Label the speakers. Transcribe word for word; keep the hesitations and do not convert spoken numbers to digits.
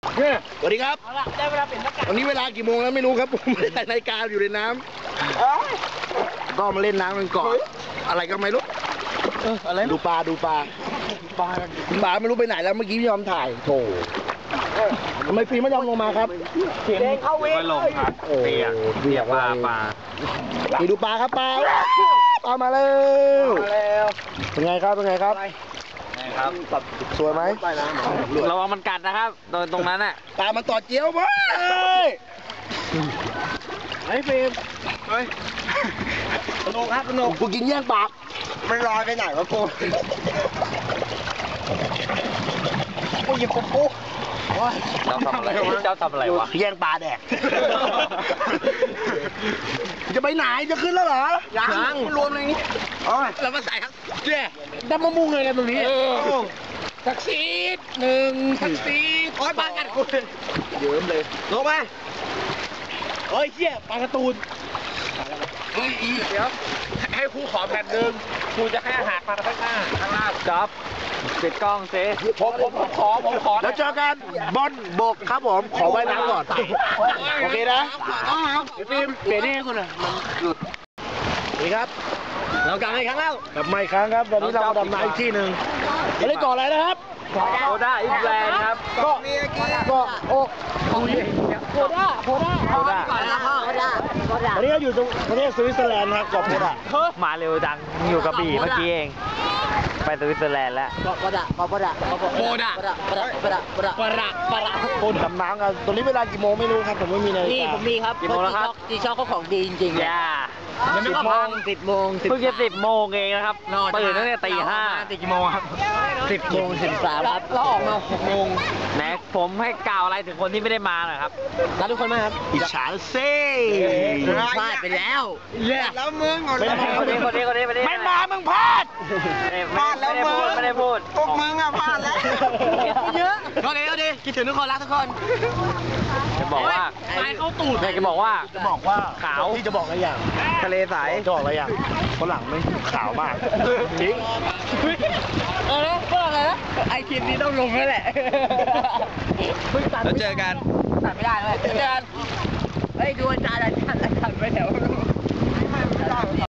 Speaker 1: สวัสดีครับได้เวลาเปลี่ยนหน้ากากวันนี้เวลากี่โมงแล้วไม่รู้ครับผมไม่ได้ใส่นาฬิกาอยู่ในน้ำก็มาเล่นน้ำกันก่อนอะไรก็ไม่รู้อะไรดูปลาดูปลาปลาปลาไม่รู้ไปไหนแล้วเมื่อกี้พี่ยอมถ่ายโถทำไมฟิล์มไม่ยอมลงมาครับเสียงเข้าเวรลงครับเปียกเปียกปลาปลาไปดูปลาครับปลาปลามาแล้วเป็นไงครับเป็นไงครับครับสวยไหม
Speaker 2: ระวังมันกัดนะครับโดนตรงนั้นน่ะ
Speaker 1: ปลามันต่อเจียวมั้ยไอ้ฟิล์มเฮ้ยสนุกครับสนุกกูกินแย่งปากมันลอยไปไหนวะกูกูหยิบปุ๊บปุ๊บ
Speaker 2: เจ้าทำอะไรเจ้าทำอะไรวะ
Speaker 1: แย่งปลาแดกจะไปไหนจะขึ้นแล้วเหรอยังรวมอะไรนี้อ๋อแล้วมาใส่ครับเจ๊ดำมะม่วงเลยกันตรงนี้ทักซีดหนึ่งทักซีดโอ้ยปลากัดกูเยิ้มเลยลงไปเฮ้ยเจี๊ยปลาการ์ตูนเฮ้ยเดี๋ยวให้ครูขอแผ่นหนึ่งครูจะให้อาหารปลาข้างหน้าข้างล่าง
Speaker 2: จ๊อบปิดกล้องเซ่
Speaker 1: ผมผมผมขอผมขอแล้วเจอกันบอลบกครับผมขอไว้น้ำก่อนโอเคนะฟิล์มเปลี่ยนให้คุณอ่ะมันหลุดนี่ครับ
Speaker 2: เรากลับมาอีกครั้งแล้ว
Speaker 1: กลับมาอีกครั้งครับวันนี้เราดำน้ำอีกที่หนึ่งไม่ได้ก่ออะไรนะครับ
Speaker 2: โคด้าอิสแลนด์ครับ
Speaker 1: ก็ก็โอ้โคด้าโคด้า
Speaker 2: โคด้า
Speaker 3: ก่อนนะพ่อโคด้าโคด้า
Speaker 1: วันนี้เราอยู่ตรงประเทศสวิตเซอร์แลนด์ครับเกาะโคด้า
Speaker 2: มาเร็วจังอยู่กระบี่เมื่อกี้เองไปสวิตเซอร์แลนด์แล้ว
Speaker 3: โคด้าโคด้าโคด้าโคด้าโคด้าโคด้าโคด้าโคด้าโคด้า
Speaker 1: โคด้าดำน้ำกันตรงนี้เวลากี่โมงไม่รู้ครับผมไม่มีนาฬิกา
Speaker 3: นี่ผมมีครับ
Speaker 2: กี่โมงแล้วครับ
Speaker 3: จีช็อกเขาของดีจริงๆ
Speaker 2: ย่า
Speaker 3: สิบโมงสิบโมง
Speaker 2: เพิ่งจะสิบโมงเองนะครับตื่นตั้งแต่ตีห้า
Speaker 3: ตื่นกี่โมงครับสิบโมงสิบสามครับแล้วออกมาหกโมง
Speaker 2: แหมผมให้กล่าวอะไรถึงคนที่ไม่ได้มาหน่อยครับ
Speaker 3: รักทุกคนมากครับ
Speaker 1: อิจฉาเซ่
Speaker 3: พลาดไปแล้ว
Speaker 1: แล้วมึง
Speaker 2: คนนี้คนนี้คนนี้คนนี้
Speaker 1: ไม่มามึงพลาด
Speaker 2: พลาดแล้วมึงไม่ได้พูด
Speaker 1: พวกมึงอ่ะพลาดแล้ว
Speaker 3: เยอะโอเคโอเคคิดถึงทุกคนรักทุกคน
Speaker 2: จะบอกว่า
Speaker 3: สายเข้าตูด
Speaker 2: จะบอกว่า
Speaker 1: จะบอกว่า
Speaker 2: ขาว
Speaker 1: ที่จะบอกอะไรอย่าง
Speaker 2: ทะเลใส
Speaker 1: จะบอกอะไรอย่างฝรั่งไม่ขาวมากจริง
Speaker 3: เออก็อะไรนะไอคลิปนี้ต้องลงแล้วแหละ
Speaker 2: แล้วเจอกัน
Speaker 3: ตัดไม่ได้เลยเจอกันเฮ้ยดูอาจารย์อาจารย์อาจารย์ไปแถว